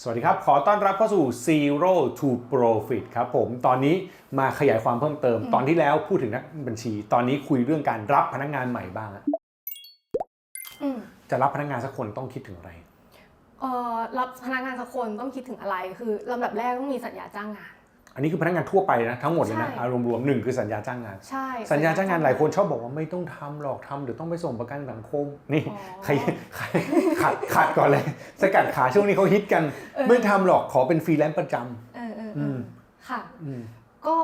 สวัสดีครับขอต้อนรับเข้าสู่ Zero to Profit ครับผมตอนนี้มาขยายความเพิ่มเติมตอนที่แล้วพูดถึงนักบัญชีตอนนี้คุยเรื่องการรับพนักงานใหม่บ้างจะรับพนักงานสักคนต้องคิดถึงอะไรรับพนักงานสักคนต้องคิดถึงอะไรคือลำดับแรกต้องมีสัญญาจ้างงานอันนี้คือพนักงานทั่วไปนะทั้งหมดเลยนะอารมณ์รวมหนึ่งคือสัญญาจ้างงานใช่สัญญาจ้างงานหลายคนชอบบอกว่าไม่ต้องทำหรอกทำเดี๋ยวต้องไปส่งประกันสังคมนี่ใครขัดก่อนเลยสกัดขาช่วงนี้เขาฮิตกันไม่ทำหรอกขอเป็นฟรีแลนซ์ประจำค่ะก็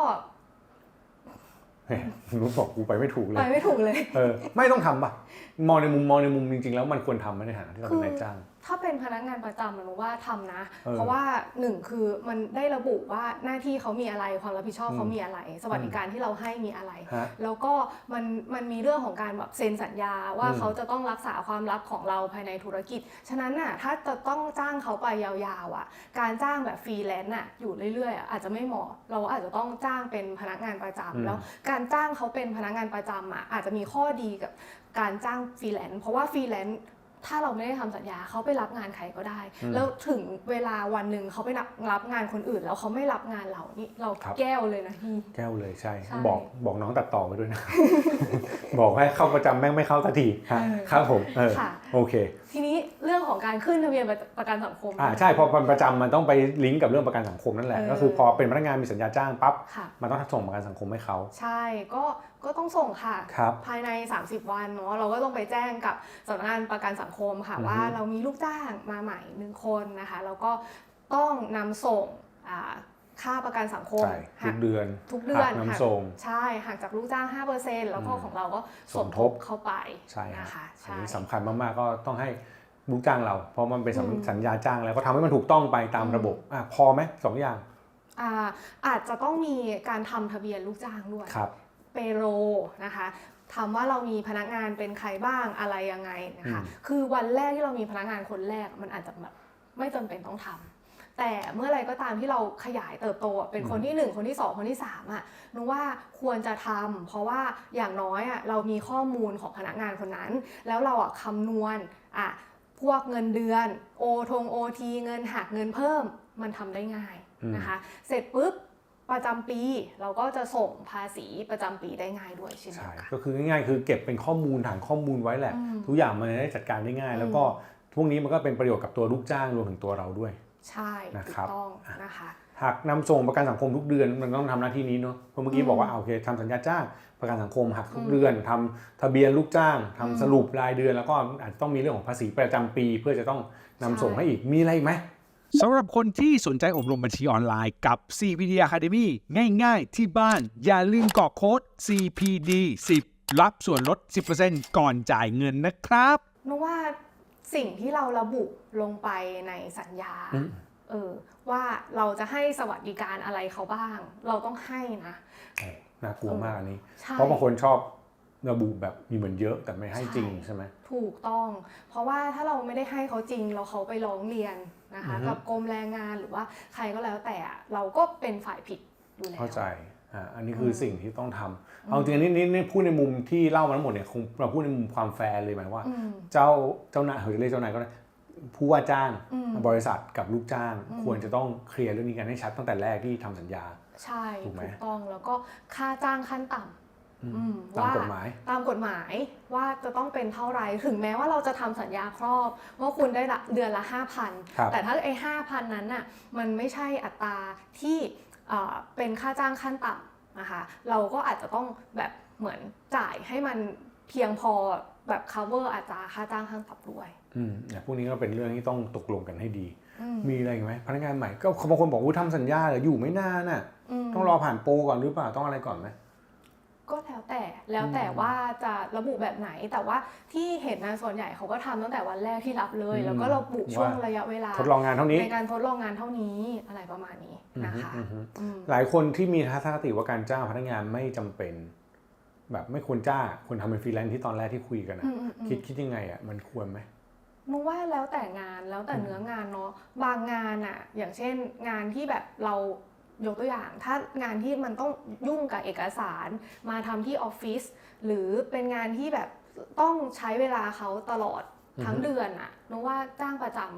รู้บอกกูไปไม่ถูกเลยไปไม่ถูกเลยไม่ต้องทำป่ะมองในมุมจริงๆแล้วมันควรทำในฐานะที่เราเป็นนายจ้างถ้าเป็นพนักงานประจำมันว่าทำนะเพราะว่าหนึ่งคือมันได้ระบุว่าหน้าที่เขามีอะไรความรับผิดชอบเขามีอะไรสวัสดิการที่เราให้มีอะไรแล้วก็มันมีเรื่องของการแบบเซ็นสัญญาว่าเขาจะต้องรักษาความลับของเราภายในธุรกิจฉะนั้นน่ะถ้าจะต้องจ้างเขาไปยาวๆอ่ะการจ้างแบบฟรีแลนซ์อ่ะอยู่เรื่อยๆอาจจะไม่เหมาะเราอาจจะต้องจ้างเป็นพนักงานประจำแล้วการจ้างเขาเป็นพนักงานประจำอ่ะอาจจะมีข้อดีกับการจ้างฟรีแลนซ์เพราะว่าฟรีแลนซ์ถ้าเราไม่ได้ทำสัญญาเขาไปรับงานใครก็ได้แล้วถึงเวลาวันหนึ่งเขาไปรับงานคนอื่นแล้วเขาไม่รับงานเรานี่เราแก้วเลยนะพี่แก้วเลยใช่บอกน้องตัดต่อไปด้วยนะ บอกให้เข้าประจำแม่งไม่เข้าทันทีครับผมโอเคทีนี้เรื่องของการขึ้นทะเบียนประกันสังคมใช่พอประจำมันต้องไปลิงก์กับเรื่องประกันสังคมนั่นแหละก็คือพอเป็นพนักงานมีสัญญาจ้างปั๊บมันต้องส่งประกันสังคมให้เขาใช่ก็ต้องส่งค่ะภายใน30วันเนาะเราก็ต้องไปแจ้งกับสำนักงานประกันสังคมค่ะว่าเรามีลูกจ้างมาใหม่1คนนะคะแล้วก็ต้องนำส่งค่าประกันสังคมทุกเดือนนำส่งใช่หักจากลูกจ้าง 5% แล้วก็ของเราก็สมทบเข้าไปใช่นะคะอันนี้สำคัญมากๆก็ต้องให้ลูกจ้างเราเพราะมันเป็นสัญญาจ้างแล้วก็ทำให้มันถูกต้องไปตามระบบพอไหม2 อย่างอาจจะต้องมีการทำทะเบียนลูกจ้างด้วยเปโรนะคะถามว่าเรามีพนักงานเป็นใครบ้างอะไรยังไงนะคะคือวันแรกที่เรามีพนักงานคนแรกมันอาจจะแบบไม่จำเป็นต้องทำแต่เมื่อไรก็ตามที่เราขยายเติบโตเป็นคนที่1คนที่2คนที่3นึกว่าควรจะทำเพราะว่าอย่างน้อยเรามีข้อมูลของพนักงานคนนั้นแล้วเราคำนวณพวกเงินเดือนโอทีเงินหักเงินเพิ่มมันทำได้ง่ายนะคะเสร็จปุ๊บประจำปีเราก็จะส่งภาษีประจำปีได้ง่ายด้วยใช่ไหมก็คือง่ายๆคือเก็บเป็นข้อมูลฐานข้อมูลไว้แหละทุกอย่างมันได้จัดการได้ง่ายแล้วก็พวกนี้มันก็เป็นประโยชน์กับตัวลูกจ้างรวมถึงตัวเราด้วยใช่ถูกต้องนะคะหากนำส่งประกันสังคมทุกเดือนมันต้องทำหน้าที่นี้เนาะเพราะเมื่อกี้บอกว่าโอเคทำสัญญาจ้างประกันสังคมหักทุกเดือนทำทะเบียนลูกจ้างทำสรุปรายเดือนแล้วก็อาจจะต้องมีเรื่องของภาษีประจำปีเพื่อจะต้องนำส่งให้อีกมีอะไรไหมสำหรับคนที่สนใจอบรมบัญชีออนไลน์กับ CPD Academy ง่ายๆที่บ้านอย่าลืมกรอกโค้ด CPD 10รับส่วนลด 10% ก่อนจ่ายเงินนะครับนึกว่าสิ่งที่เราระบุลงไปในสัญญาว่าเราจะให้สวัสดิการอะไรเขาบ้างเราต้องให้นะน่ากลัวมากอันนี้เพราะบางคนชอบระบุแบบมีเหมือนเยอะแต่ไม่ให้จริงใช่ไหมถูกต้องเพราะว่าถ้าเราไม่ได้ให้เขาจริงเราเขาไปร้องเรียนนะคะกับกรมแรงงานหรือว่าใครก็แล้วแต่เราก็เป็นฝ่ายผิดอยู่แล้วเข้าใจอันนี้คือสิ่งที่ต้องทำเอาจริงนี่พูดในมุมที่เล่ามาทั้งหมดเนี่ยคงเราพูดในมุมความแฟร์เลยหมายว่าเจ้านายเรียกเจ้านายก็ได้ผู้ว่าจ้างบริษัทกับลูกจ้างควรจะต้องเคลียร์เรื่องนี้กันให้ชัดตั้งแต่แรกที่ทำสัญญาใช่ถูกต้องแล้วก็ค่าจ้างขั้นต่ำตามกฎหมายว่าจะต้องเป็นเท่าไรถึงแม้ว่าเราจะทำสัญญาครอบว่าคุณได้เดือนละ 5,000 แต่ถ้าไอ้ 5,000 นั้นน่ะมันไม่ใช่อัตราที่เป็นค่าจ้างขั้นต่ำนะคะเราก็อาจจะต้องแบบเหมือนจ่ายให้มันเพียงพอแบบ cover อัตราค่าจ้างขั้นต่ำด้วยพวกนี้ก็เป็นเรื่องที่ต้องตกลงกันให้ดีมีอะไรอีกไหมพนักงานใหม่ก็บางคนบอกว่าทำสัญญาอยู่ไม่นานน่ะต้องรอผ่านโปรก่อนหรือเปล่าต้องอะไรก่อนไหมก็แล้วแต่ว่าจะระบุแบบไหนแต่ว่าที่เห็นนะส่วนใหญ่เขาก็ทำตั้งแต่วันแรกที่รับเลยแล้วก็ระบุช่วงระยะเวลาทดลองงานเท่านี้ในการทดลองงานเท่านี้อะไรประมาณนี้นะคะหลายคนที่มีทัศนคติว่าการจ้างพนักงานไม่จำเป็นแบบไม่ควรจ้างคนทำเป็นฟรีแลนซ์ที่ตอนแรกที่คุยกันนะคิดยังไงมันควรไหมนึกว่าแล้วแต่งานแล้วแต่เนื้องานเนาะบางงานอย่างเช่นงานที่แบบเรายกตัวอย่างถ้างานที่มันต้องยุ่งกับเอกสารมาทำที่ออฟฟิศหรือเป็นงานที่แบบต้องใช้เวลาเขาตลอดทั้งเดือนนึกว่าจ้างประจำ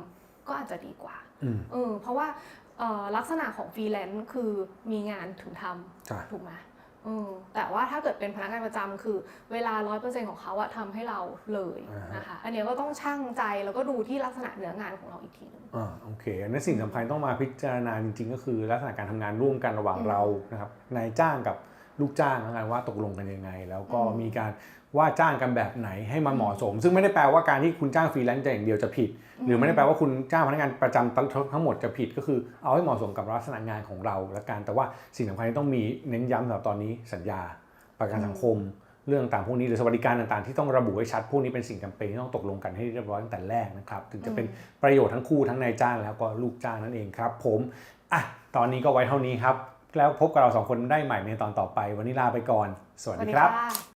ก็อาจจะดีกว่าเพราะว่าลักษณะของฟรีแลนซ์คือมีงานถึงทำถูกไหมแต่ว่าถ้าเกิดเป็นพนักงานประจำคือเวลา 100% ของเขาอะทำให้เราเลยนะคะอันนี้ก็ต้องชั่งใจแล้วก็ดูที่ลักษณะเนื้องานของเราอีกทีนึงโอเคอันนี้สิ่งสำคัญต้องมาพิจารณาจริงๆก็คือลักษณะการทำงานร่วมกันระหว่างเรานะครับนายจ้างกับลูกจ้างนะว่าตกลงกันยังไงแล้วก็มีการว่าจ้างกันแบบไหนให้มันเหมาะสมซึ่งไม่ได้แปลว่าการที่คุณจ้างฟรีแลนซ์อย่างเดียวจะผิดหรือไม่ได้แปลว่าคุณจ้างพนักงานประจำทั้งหมดจะผิดก็คือเอาให้เหมาะสมกับลักษณะงานของเราและกันแต่ว่าสิ่งสำคัญที่ต้องมีเน้นย้ำสำหรับตอนนี้สัญญาประกันสังคมเรื่องต่างพวกนี้หรือสวัสดิการต่างๆที่ต้องระบุให้ชัดพวกนี้เป็นสิ่งจำเป็นที่ต้องตกลงกันให้เรียบร้อยตั้งแต่แรกนะครับถึงจะเป็นประโยชน์ทั้งคู่ทั้งนายจ้างแล้วก็ลูกจ้างนั่นเองครับผมตอนนี้ก็ไว้เท่านี้ครับแล้วพบกับเรา2คนได้ใหม่ในตอนต่อไปวันนี้ลาไปก่อนสวัสดีครับ